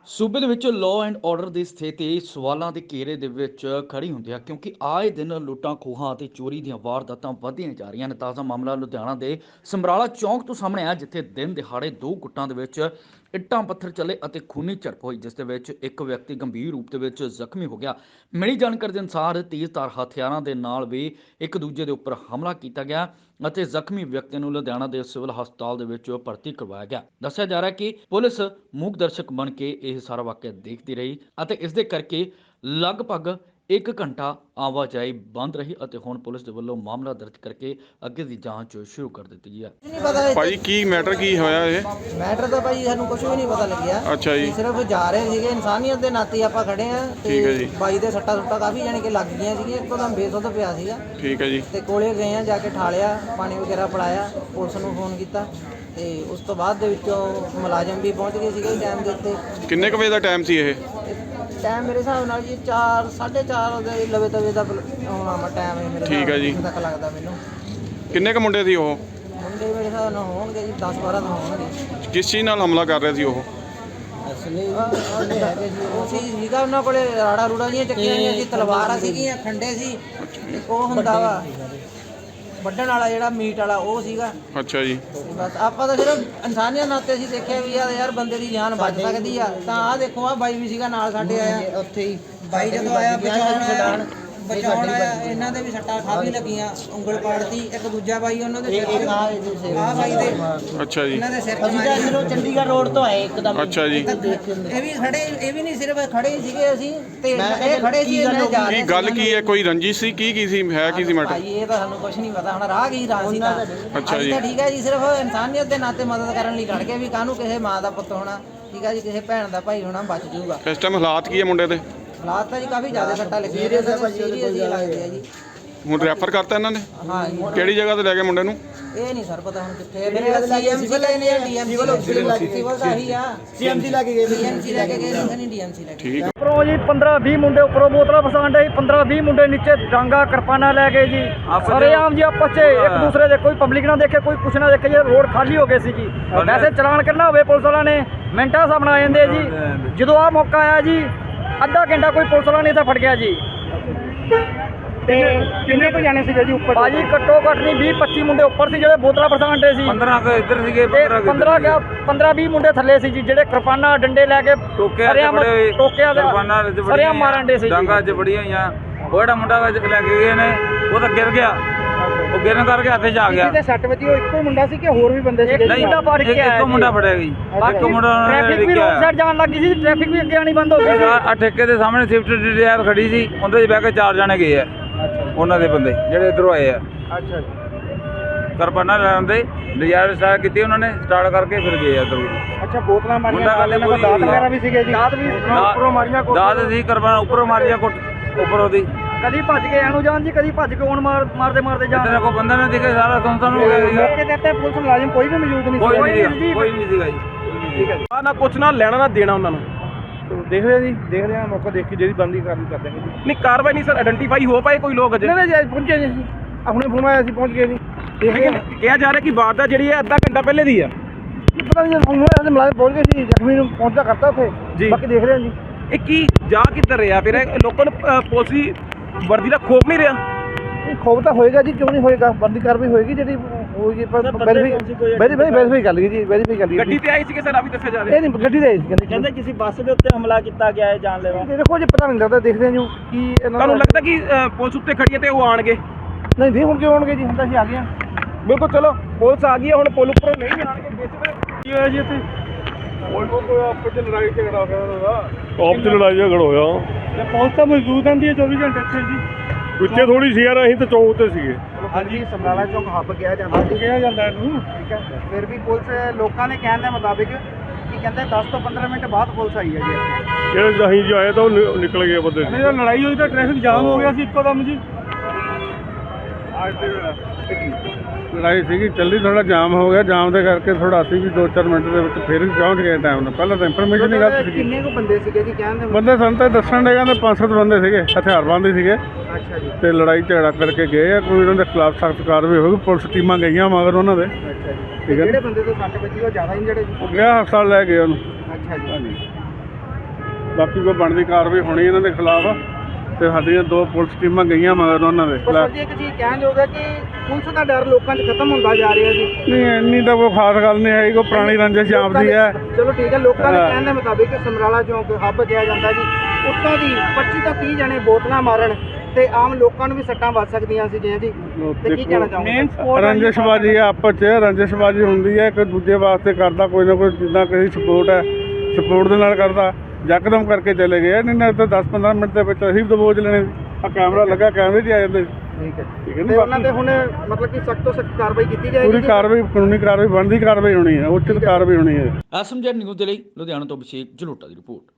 ਸੂਬੇ ਦੇ ਵਿੱਚ ਲਾਅ ਐਂਡ ਆਰਡਰ ਦੀ ਸਥਿਤੀ ਸਵਾਲਾਂ ਦੇ ਘੇਰੇ ਦੇ ਵਿੱਚ ਖੜੀ ਹੁੰਦੀ ਹੈ ਕਿਉਂਕਿ ਆਏ ਦਿਨ ਲੁੱਟਾਂ ਖੋਹਾਂ ਅਤੇ ਚੋਰੀ ਦੀਆਂ ਵਾਰਦਾਤਾਂ ਵਧਦੀਆਂ ਜਾ ਰਹੀਆਂ ਨੇ। ਤਾਜ਼ਾ ਮਾਮਲਾ ਲੁਧਿਆਣਾ ਦੇ ਸਮਰਾਲਾ ਚੌਂਕ ਤੋਂ ਸਾਹਮਣੇ ਆਇਆ, ਜਿੱਥੇ ਦਿਨ ਦਿਹਾੜੇ ਦੋ ਗੁੱਟਾਂ ਦੇ ਵਿੱਚ ਇੱਟਾਂ ਪੱਥਰ ਚੱਲੇ ਅਤੇ ਖੂਨੀ ਝੜਪ ਹੋਈ, ਜਿਸ ਦੇ ਵਿੱਚ ਇੱਕ ਵਿਅਕਤੀ ਗੰਭੀਰ ਰੂਪ ਦੇ ਵਿੱਚ ਜ਼ਖਮੀ ਹੋ ਗਿਆ। ਮਿਲੀ ਜਾਣਕਾਰੀ ਦੇ ਅਨੁਸਾਰ ਤੇਜ਼ਧਾਰ ਹਥਿਆਰਾਂ ਦੇ ਨਾਲ ਵੀ ਇੱਕ ਦੂਜੇ ਦੇ ਉੱਪਰ ਹਮਲਾ ਕੀਤਾ ਗਿਆ ਅਤੇ ਜ਼ਖਮੀ ਵਿਅਕਤੀ ਨੂੰ ਲੁਧਿਆਣਾ ਦੇ ਸਿਵਲ ਹਸਪਤਾਲ ਦੇ ਵਿੱਚ ਭਰਤੀ ਕਰਵਾਇਆ ਗਿਆ। ਦੱਸਿਆ ਜਾ ਰਿਹਾ ਕਿ ਪੁਲਿਸ ਮੂਕ ਦਰਸ਼ਕ ਬਣ ਕੇ ਇਹ ਸਾਰਾ ਵਾਕਿਆ ਦੇਖਦੀ ਰਹੀ ਅਤੇ ਇਸ ਦੇ ਕਰਕੇ ਲਗਭਗ 1 ਘੰਟਾ ਆਵਾਜਾਈ ਬੰਦ ਰਹੀ ਅਤੇ ਹੁਣ ਪੁਲਿਸ ਦੇ ਵੱਲੋਂ ਮਾਮਲਾ ਦਰਜ ਕਰਕੇ ਅੱਗੇ ਦੀ ਜਾਂਚ ਸ਼ੁਰੂ ਕਰ ਦਿੱਤੀ ਗਈ ਹੈ। ਨਹੀਂ ਪਤਾ ਭਾਜੀ ਕੀ ਮੈਟਰ ਕੀ ਹੋਇਆ ਇਹ? ਮੈਟਰ ਤਾਂ ਭਾਈ ਸਾਨੂੰ ਕੁਝ ਵੀ ਨਹੀਂ ਪਤਾ ਲੱਗਿਆ। ਅੱਛਾ ਜੀ। ਸਿਰਫ ਜਾ ਰਹੇ ਸੀਗੇ, ਇਨਸਾਨੀਅਤ ਦੇ ਨਾਤੇ ਆਪਾਂ ਖੜੇ ਆ ਠੀਕ ਹੈ ਜੀ। ਬਾਈ ਦੇ ਸੱਟਾ ਕਾਫੀ ਜਾਣੀ ਕਿ ਲੱਗ ਗਈਆਂ ਸੀਗੀਆਂ, ਇੱਕਦਮ ਬੇਸੁੱਧ ਪਿਆ ਸੀਗਾ। ਠੀਕ ਹੈ ਜੀ। ਤੇ ਕੋਲੇ ਗਏ ਆ, ਜਾ ਕੇ ਠਾਲਿਆ, ਪਾਣੀ ਵਗੈਰਾ ਪਿਲਾਇਆ, ਪੁਲਿਸ ਨੂੰ ਫੋਨ ਕੀਤਾ ਤੇ ਉਸ ਤੋਂ ਬਾਅਦ ਦੇ ਵਿੱਚੋਂ ਮੁਲਾਜ਼ਮ ਵੀ ਪਹੁੰਚ ਗਏ ਸੀਗੇ ਟਾਈਮ ਦੇ ਉੱਤੇ। ਕਿੰਨੇ ਕੁ ਵਜੇ ਦਾ ਟਾਈਮ ਸੀ ਇਹ? ਟਾਈਮ ਮੇਰੇ ਹਿਸਾਬ ਨਾਲ ਜੀ 4 4:30 ਦੇ ਲਵੇ ਤਵੇ ਦਾ ਆਉਣਾ ਟਾਈਮ ਹੈ ਮੇਰੇ। ਠੀਕ ਹੈ ਜੀ। ਤੱਕ ਲੱਗਦਾ ਮੈਨੂੰ। ਕਿੰਨੇ ਕੁ ਮੁੰਡੇ ਸੀ ਉਹ? ਮੁੰਡੇ ਮੇਰੇ ਹਿਸਾਬ ਨਾਲ ਹੋਣਗੇ ਜੀ 10-12 ਤਾਂ ਹੋਣਗੇ। ਕਿਸ ਚੀਜ਼ ਨਾਲ ਹਮਲਾ ਕਰ ਰਹੇ ਸੀ ਉਹ? ਉਹ ਸੀਗਾ ਉਹਨਾਂ ਕੋਲੇ ਰਾੜਾ ਰੂੜਾ ਜੀਆਂ ਚੱਕੀਆਂ ਹੋਈਆਂ ਸੀ, ਤਲਵਾਰਾਂ ਸੀਗੀਆਂ, ਖੰਡੇ ਸੀ, ਉਹ ਹੁੰਦਾ ਵਾ ਵੱਢਣ ਵਾਲਾ ਜਿਹੜਾ ਮੀਟ ਵਾਲਾ ਉਹ ਸੀਗਾ। ਅੱਛਾ ਜੀ। ਬਸ ਆਪਾਂ ਤਾਂ ਸਿਰਫ ਇਨਸਾਨੀਅਤ ਨਾਤੇ ਅਸੀਂ ਦੇਖਿਆ ਵੀ ਯਾਰ ਬੰਦੇ ਦੀ ਜਾਨ ਬਚ ਸਕਦੀ ਆ। ਤਾਂ ਆਹ ਦੇਖੋ, ਆ ਬਾਈ ਵੀ ਸੀਗਾ ਨਾਲ ਸਾਡੇ ਆਇਆ ਉੱਥੇ ਹੀ। ਬਾਈ ਜਦੋਂ ਆਇਆ ਬਚਾਉਣ ਆਇਆ, ਇਹਨਾਂ ਦੇ ਵੀ ਸੱਟਾਂ ਕਾਫੀ ਲੱਗੀਆਂ, ਉਂਗਲ ਪਾੜਤੀ। ਇੱਕ ਦੂਜਾ ਬਾਈ ਉਹਨਾਂ ਦੇ ਸਿਰ ਆ ਬਾਈ ਦੇ। ਅੱਛਾ ਜੀ। ਇਹਨਾਂ ਦੇ ਸਿਰ ਤੇ ਚੰਡੀਗੜ੍ਹ ਰੋਡ ਤੋਂ ਆਏ ਇੱਕਦਮ। ਅੱਛਾ ਜੀ। ਇਹ ਵੀ ਖੜੇ, ਇਹ ਵੀ ਨਹੀਂ ਸਿਰਫ ਖੜੇ ਹੀ ਸੀਗੇ ਅਸੀਂ ਤੇ ਇਹ ਖੜੇ ਸੀ, ਇਹਨਾਂ ਜਾ ਰਹੇ ਕੀ ਗੱਲ ਕੀ ਹੈ? ਕੋਈ ਰੰਜਿਸ਼ ਸੀ? ਕੀ ਸੀ? ਹੈ ਕੀ ਸੀ ਮੈਟਰ? ਭਾਈ ਇਹ ਤਾਂ ਸਾਨੂੰ ਕੁਝ ਨਹੀਂ ਪਤਾ। ਹੁਣ ਰਾਹ ਕੀ ਰਾਹ ਸੀ ਤਾਂ। ਅੱਛਾ ਜੀ। ਤਾਂ ਠੀਕ ਹੈ ਜੀ, ਸਿਰਫ ਇਨਸਾਨੀਅਤ ਦੇ ਨਾਤੇ ਮਦਦ ਕਰਨ ਲਈ ਖੜ ਗਏ ਵੀ ਕਾਹਨੂੰ ਕਿਸੇ ਮਾਂ ਦਾ ਪੁੱਤ ਹੋਣਾ, ਠੀਕ ਹੈ ਜੀ, ਕਿਸੇ ਭੈਣ ਦਾ ਭਾਈ ਹੋਣਾ ਬਚ ਜਾਊਗਾ। ਇਸ ਟਾਈਮ ਹਾਲਾਤ ਕੀ ਹੈ ਮੁੰਡੇ ਦੇ? ਹਾਲਾਤ ਤਾਂ ਜੀ ਕਾਫੀ ਜ਼ਿਆਦਾ ਸੱਟਾਂ ਲੱਗੀਆਂ ਨੇ, ਸੀਰੀਅਸ ਹੀ ਲੱਗਦੇ ਆ ਜੀ। ਹੁਣ ਰੈਫਰ ਕਰਤਾ ਇਹਨਾਂ ਨੇ? ਹਾਂ ਜੀ। ਕਿਹੜੀ ਜਗ੍ਹਾ ਤੇ ਲੈ ਗਏ ਮੁੰਡੇ ਨੂੰ? ਇਹ ਨਹੀਂ ਸਰ ਪਤਾ ਹੁਣ ਕਿੱਥੇ ਹੈ। ਮੇਰੇ ਸੀਐਮਸੀ ਲੈ ਨੇ, ਡੀਐਮਸੀ ਸਿਵਲ ਦਾ ਹੀ ਆ। ਸੀਐਮਸੀ ਲੈ ਕੇ ਗਏ, ਸੀਐਮਸੀ ਲੈ ਕੇ ਗਏ, ਨਹੀਂ ਡੀਐਮਸੀ ਲੈ ਕੇ। ਠੀਕ। ਉੱਪਰੋਂ ਜੀ 15-20 ਮੁੰਡੇ ਉੱਪਰੋਂ ਬੋਤਲਾਂ ਫਸਾਣ ਡੇ, 15-20 ਮੁੰਡੇ ਨੀਚੇ ਡਾਂਗਾ ਕਿਰਪਾਨਾਂ ਲੈ ਗਏ ਜੀ। ਸਰੇਆਮ ਜੀ ਆਪਸ 'ਚ ਇੱਕ ਦੂਸਰੇ ਦੇ, ਕੋਈ ਪਬਲਿਕ ਨਾ ਦੇਖੇ, ਕੋਈ ਕੁਛ ਨਾ ਦੇਖੇ ਜੀ। ਰੋਡ ਖਾਲੀ ਹੋ ਗਏ ਸੀ ਜੀ। ਵੈਸੇ ਚਲਾਨ ਕਰਨਾ ਹੋਵੇ ਪੁਲਿਸ ਵਾਲਿਆਂ ਨੇ ਮਿੰਟਾਂ ਹਿਸਾਬ ਨਾਲ ਆ ਜਾਂਦੇ ਜੀ। ਜਦੋਂ ਆਹ ਮੌਕਾ ਆਇਆ ਜੀ, ਅੱਧਾ ਘੰਟਾ ਕੋਈ ਪੁਲਿਸ ਵਾਲਾ ਨਹੀਂ ਤਾਂ ਫੜ ਗਿਆ ਜੀ। ਤੇ ਕਿੰਨੇ ਕੁ ਜਾਣੇ ਸੀਗੇ ਜੀ ਉੱਪਰ? ਭਾਜੀ ਘੱਟੋ ਘੱਟ ਨਹੀਂ 20-25 ਮੁੰਡੇ ਉੱਪਰ ਸੀ ਜਿਹੜੇ ਬੋਤਲਾਂ ਫਸਾਣ ਡੇ ਸੀ। 15 ਕੁ ਇੱਧਰ ਸੀਗੇ, 15-20 ਮੁੰਡੇ ਥੱਲੇ ਸੀ ਜੀ, ਜਿਹੜੇ ਕਿਰਪਾਨਾਂ ਡੰਡੇ ਲੈ ਕੇ ਸਰੇਆਮ ਟੋਕਿਆ ਸਰੇਆਮ ਮਾਰਨ ਡੇ ਸੀ। ਡਾਂਗਾ 'ਚ ਬੜੀਆਂ ਹੋਈਆਂ। ਉਹ ਜਿਹੜਾ ਮੁੰਡਾ ਲੈ ਕੇ ਗਏ ਨੇ ਉਹ ਤਾਂ ਗਿਰ ਗਿਆ, ਉਹ ਗਿਰਨ ਕਰਕੇ ਹੱਥੇ 'ਚ ਆ ਗਿਆ। ਜਿਹਦੇ 6 ਵਜੇ ਉਹ ਇੱਕੋ ਮੁੰਡਾ ਸੀ ਕਿ ਹੋਰ ਵੀ ਬੰਦੇ ਸੀ? ਨਹੀਂ, ਇੱਕੋ ਮੁੰਡਾ ਫੜਿਆ ਗਈ। ਇੱਕੋ ਮੁੰਡਾ ਟ੍ਰੈਫਿਕ ਵੀ ਰੋਡ ਸਾਈਡ ਜਾਣ ਲੱਗੀ ਸੀ, ਟ੍ਰੈਫਿਕ ਵੀ ਅੱਗੇ ਆਣੀ ਬੰਦ ਹੋ ਗਈ ਸੀ। ਆ ਠੇਕੇ ਦੇ ਸਾਹਮਣੇ ਸਵਿਫਟ ਡਿਜ਼ਾਇਰ ਖੜੀ ਸੀ, ਉਹਦੇ 'ਚ ਬਹਿ ਕੇ 4 ਜਾਣੇ ਗਏ ਆ ਉਹਨਾਂ ਦੇ ਬੰਦੇ ਜਿਹੜੇ ਇੱਧਰੋਂ ਆਏ ਆ। ਅੱਛਾ ਜੀ। ਕਿਰਪਾਨਾਂ ਲੈਣ ਦੇ ਡਿਜ਼ਾਇਰ ਸਟਾਰਟ ਕੀਤੀ ਉਹਨਾਂ ਨੇ, ਸਟਾਰਟ ਕਰਕੇ ਫਿਰ ਗਏ ਇੱਧਰੋਂ। ਅੱਛਾ, ਬੋਤਲਾਂ ਮਾਰੀਆਂ, ਮੁੰਡਾ ਗੱਲ ਦਾਤ ਵਗੈਰਾ ਵੀ ਸੀਗੇ ਜੀ? ਦਾਤ ਵੀ ਉੱਪਰੋਂ ਮਾਰੀਆਂ, ਦਾਤ ਸੀ, ਕਿਰਪਾਨਾਂ ਉੱਪਰੋਂ ਮਾਰੀਆਂ, ਉੱਪਰੋਂ ਦੀ। ਕਦੀ ਭੱਜ ਕੇ ਐਨੂੰ ਜਾਣ ਜੀ, ਕਦੀ ਭੱਜ ਕੇ ਹੁਣ ਮਾਰਦੇ ਜਾਣ। ਇੱਧਰ ਕੋਈ ਬੰਦਾ ਨਹੀਂ ਦਿਖੇ, ਸਾਰਾ ਸੁੰਨਸਾਨ ਹੋ ਗਿਆ ਸੀਗਾ। ਮੌਕੇ ਤੇ ਇੱਥੇ ਪੁਲਿਸ ਮੁਲਾਜ਼ਮ ਕੋਈ ਵੀ ਮੌਜੂਦ ਨਹੀਂ ਸੀ? ਕੋਈ ਨਹੀਂ ਸੀਗਾ ਜੀ। ਠੀਕ ਹੈ ਜੀ। ਨਾ ਕੁਛ ਨਾ ਲੈਣਾ ਨਾ ਦੇਣਾ ਉਹਨਾਂ ਨੂੰ। ਦੇਖਦੇ ਆ ਜੀ, ਦੇਖਦੇ ਆ, ਮੌਕਾ ਦੇਖ ਕੇ ਜਿਹੜੀ ਬੰਦੀ ਕਾਰਵਾਈ ਕਰ ਦੇਣਗੇ ਜੀ। ਨਹੀਂ ਕਾਰਵਾਈ ਨਹੀਂ ਸਰ, ਆਇਡੈਂਟੀਫਾਈ ਹੋ ਪਾਏ ਕੋਈ ਲੋਕ ਅਜੇ? ਨਹੀਂ ਜੀ, ਪਹੁੰਚੇ ਜੀ, ਹੁਣੇ ਫੋਨ ਆਇਆ ਸੀ, ਪਹੁੰਚ ਗਏ ਜੀ। ਲੇਕਿਨ ਕਿਹਾ ਜਾ ਰਿਹਾ ਕਿ ਵਾਰਦਾਤ ਜਿਹੜੀ ਹੈ ਅੱਧਾ ਘੰਟਾ ਪਹਿਲੇ ਦੀ ਆ। ਪਤਾ ਨਹੀਂ, ਫੋਨ ਆਇਆ, ਮੁਲਾਜ਼ਮ ਪਹੁੰਚ ਗਏ ਸੀ, ਜ਼ਖਮੀ ਨੂੰ ਪਹੁੰਚਦਾ ਕਰਤਾ ਉੱਥੇ ਜੀ। ਬਾਕੀ ਦੇਖਦੇ ਆ ਜੀ। ਇਹ ਕੀ ਜਾ ਕਿੱਧਰ ਰਿਹਾ ਫਿਰ? ਲੋਕਾਂ ਨੂੰ ਪੁਲਿਸੀ ਵਰਦੀ ਦਾ ਖੋਫ ਨਹੀਂ ਰਿਹਾ? ਇਹ ਖੋਬ ਤਾਂ ਹੋਏਗਾ ਜੀ, ਕਿਉਂ ਨਹੀਂ ਹੋਏਗਾ? ਬੰਦੀ ਕਾਰਵਾਈ ਹੋਏਗੀ ਜਿਹੜੀ ਹੋਏਗੀ। ਵੈਰੀਫਾਈ ਕਰ ਲਈ ਜੀ, ਵੈਰੀਫਾਈ ਕਰ ਲਈ। ਗੱਡੀ ਤੇ ਆਈ ਸੀ ਕਿ ਸਰ? ਅਭੀ ਦੱਸਿਆ ਜਾ ਰਿਹਾ ਇਹ ਨਹੀਂ, ਗੱਡੀ ਤੇ ਆਈ ਸੀ। ਕਹਿੰਦੇ ਕਿਸੇ ਬੱਸ ਦੇ ਉੱਤੇ ਹਮਲਾ ਕੀਤਾ ਗਿਆ ਹੈ ਜਾਨਲੇਵਾ। ਦੇਖੋ ਜੀ, ਪਤਾ ਨਹੀਂ ਲੱਗਦਾ, ਦੇਖਦੇ ਹਾਂ ਜੀ ਕੀ ਤੁਹਾਨੂੰ ਲੱਗਦਾ ਕਿ ਪੁਲਿਸ ਉੱਤੇ ਖੜੀ ਹੈ ਤੇ ਉਹ ਆਣਗੇ? ਨਹੀਂ ਹੁਣ ਕਿਉਂ ਆਉਣਗੇ ਜੀ, ਹੁਣ ਤਾਂ ਅਸੀਂ ਆ ਗਏ ਹਾਂ। ਬਿਲਕੁਲ, ਚਲੋ ਪੁਲਿਸ ਆ ਗਈ ਹੈ, ਹੁਣ ਪੁਲ ਉੱਪਰੋਂ ਨਹੀਂ ਆਣਗੇ। ਕੀ ਹੋਇਆ ਜੀ ਇੱਥੇ? ਆਪਸ ਚ ਲੜਾਈ ਝਗੜਾ ਹੋਇਆ। ਪੁਲਿਸ ਤਾਂ ਮੌਜੂਦ ਰਹਿੰਦੀ ਹੈ 24 ਘੰਟੇ ਇੱਥੇ ਜੀ। ਪਿੱਛੇ ਥੋੜੀ ਸੀ ਯਾਰ, ਅਸੀਂ ਤਾਂ ਚੌਕ ਤੇ ਸੀਗੇ। ਹਾਂਜੀ, ਸਮਰਾਲਾ ਚੌਕ ਹੱਬ ਕਿਹਾ ਜਾਂਦਾ ਇਹਨੂੰ। ਠੀਕ ਹੈ, ਫਿਰ ਵੀ ਪੁਲਿਸ ਲੋਕਾਂ ਦੇ ਕਹਿਣ ਦੇ ਮੁਤਾਬਿਕ ਕੀ ਕਹਿੰਦੇ 10 ਤੋਂ 15 ਮਿੰਟ ਬਾਅਦ ਪੁਲਿਸ ਆਈ ਹੈ ਜੀ ਇੱਥੇ। ਜਿਹੜੇ ਅਸੀਂ ਜੋ ਆਏ ਤਾਂ ਉਹ ਨਿਕਲ ਗਏ ਬੰਦੇ। ਜਦੋਂ ਲੜਾਈ ਹੋਈ ਤਾਂ ਟ੍ਰੈਫਿਕ ਜਾਮ ਹੋ ਗਿਆ ਸੀ ਇੱਕੋ ਦਮ ਜੀ। ਲੜਾਈ ਸੀਗੀ, ਚੱਲੀ, ਥੋੜਾ ਜਾਮ ਹੋ ਗਿਆ। ਜਾਮ ਦੇ ਕਰਕੇ ਥੋੜਾ ਅਸੀਂ ਵੀ 2-4 ਮਿੰਟ ਦੇ ਵਿੱਚ ਫਿਰ ਵੀ ਪਹੁੰਚ ਗਏ ਟਾਈਮ ਨਾਲ। ਪਹਿਲਾਂ ਤਾਂ ਇਨਫੋਰਮੇਸ਼ਨ ਦੀ ਗੱਲ ਸੀਗੀ। ਕਿੰਨੇ ਕੁ ਬੰਦੇ ਸੀਗੇ ਜੀ ਕਹਿਣ ਦੇ? ਬੰਦੇ ਸਾਨੂੰ ਤਾਂ ਦੱਸਣ ਦੇ ਕਹਿੰਦੇ 5-7 ਬੰਦੇ ਸੀਗੇ, ਹਥਿਆਰਬੰਦ ਸੀਗੇ ਅੱਛਾ ਜੀ। ਤੇ ਲੜਾਈ ਝਗੜਾ ਕਰਕੇ ਗਏ ਆ। ਕੋਈ ਉਹਨਾਂ ਦੇ ਖਿਲਾਫ ਸਖਤ ਕਾਰਵਾਈ ਹੋਊਗੀ। ਪੁਲਿਸ ਟੀਮਾਂ ਗਈਆਂ ਮਗਰ ਉਹਨਾਂ ਦੇ। ਅੱਛਾ ਜੀ। ਠੀਕ ਹੈ। ਜਿਹੜੇ ਬੰਦੇ ਤੋਂ 60 ਵਜੇ ਉਹ ਜ਼ਿਆਦਾ ਇੰਜਰਡ ਹੈ ਜੀ? ਉਹ ਗਿਆ ਹਸਪਤਾਲ ਲੈ ਗਏ ਉਹਨੂੰ। ਅੱਛਾ ਜੀ। ਬਾਕੀ ਕੋਈ ਬਣਦੀ ਕਾਰਵਾਈ ਹੋਣੀ ਇਹਨਾਂ ਦੇ ਖਿਲਾਫ। ਤੇ ਸਾਡੀਆਂ 2 ਪੁਲਿਸ ਟੀਮਾਂ ਗਈਆਂ ਮਗਰ ਉਹਨਾਂ ਦੇ ਪਰ ਸਰ ਜੀ ਇੱਕ ਚੀਜ਼ ਕਹਿਣ ਯੋਗ ਹੈ ਕਿ ਪੁਲਿਸ ਦਾ ਡਰ ਲੋਕਾਂ 'ਚ ਖਤਮ ਹੁੰਦਾ ਜਾ ਰਿਹਾ ਜੀ। ਨਹੀਂ ਇੰਨੀ ਤਾਂ ਕੋਈ ਖਾਸ ਗੱਲ ਨਹੀਂ ਹੈ, ਕੋਈ ਪੁਰਾਣੀ ਰੰਜਿਸ਼ ਆਪਦੀ ਹੈ। ਚਲੋ ਠੀਕ ਹੈ, ਲੋਕਾਂ ਦੇ ਕਹਿਣ ਦੇ ਮੁਤਾਬਿਕ ਸਮਰਾਲਾ ਚੌਂਕ ਹੱਬ ਕਿਹਾ ਜਾਂਦਾ ਜੀ, ਉੱਤੋਂ ਦੀ 25 ਤੋਂ 30 ਜਣੇ ਬੋਤਲਾਂ ਮਾਰਨ ਤੇ ਆਮ ਲੋਕਾਂ ਨੂੰ ਵੀ ਸੱਟਾਂ ਵੱਜ ਸਕਦੀਆਂ ਸੀ ਜੀ। ਤੇ ਕੀ ਕਹਿਣਾ ਚਾਹੋਗੇ? ਰੰਜਿਸ਼ਬਾਜੀ ਹੈ, ਆਪਸ 'ਚ ਰੰਜਿਸ਼ਬਾਜੀ ਹੁੰਦੀ ਹੈ, ਇੱਕ ਦੂਜੇ ਵਾਸਤੇ ਕਰਦਾ ਕੋਈ ਨਾ ਕੋਈ, ਜਿੱਦਾਂ ਕਿਸੇ ਸਪੋਰਟ ਹੈ ਸਪੋਰਟ ਦੇ ਨਾਲ ਕਰਦਾ, ਯਕਦਮ ਕਰਕੇ ਚਲੇ ਗਏ। ਨਹੀਂ ਨਾ ਤਾਂ 10-15 ਮਿੰਟ ਦੇ ਵਿੱਚ ਅਸੀਂ ਦਬੋਚ ਲੈਣੇ। ਆ ਕੈਮਰਾ ਲੱਗਾ, ਕੈਮਰੇ 'ਚ ਆ ਜਾਂਦੇ। ਠੀਕ ਹੈ, ਠੀਕ ਹੈ ਤੇ ਨਾ। ਉਹਨਾਂ ਤੇ ਹੁਣ ਮਤਲਬ ਕਿ ਸਖਤ ਤੋਂ ਸਖਤ ਕਾਰਵਾਈ ਕੀਤੀ ਜਾਏਗੀ ਪੂਰੀ ਜੀ? ਕਾਰਵਾਈ, ਕਾਨੂੰਨੀ ਕਾਰਵਾਈ, ਬਣਦੀ ਕਾਰਵਾਈ ਹੋਣੀ ਹੈ, ਉਚਿਤ ਕਾਰਵਾਈ ਹੋਣੀ ਹੈ। ਐਸਐਮਜੈਡ ਨਿਊਜ਼ ਦੇ ਲਈ ਲੁਧਿਆਣਾ ਤੋਂ ਅਭਿਸ਼ੇਕ ਜਲੋਟਾ ਦੀ ਰਿਪੋਰਟ।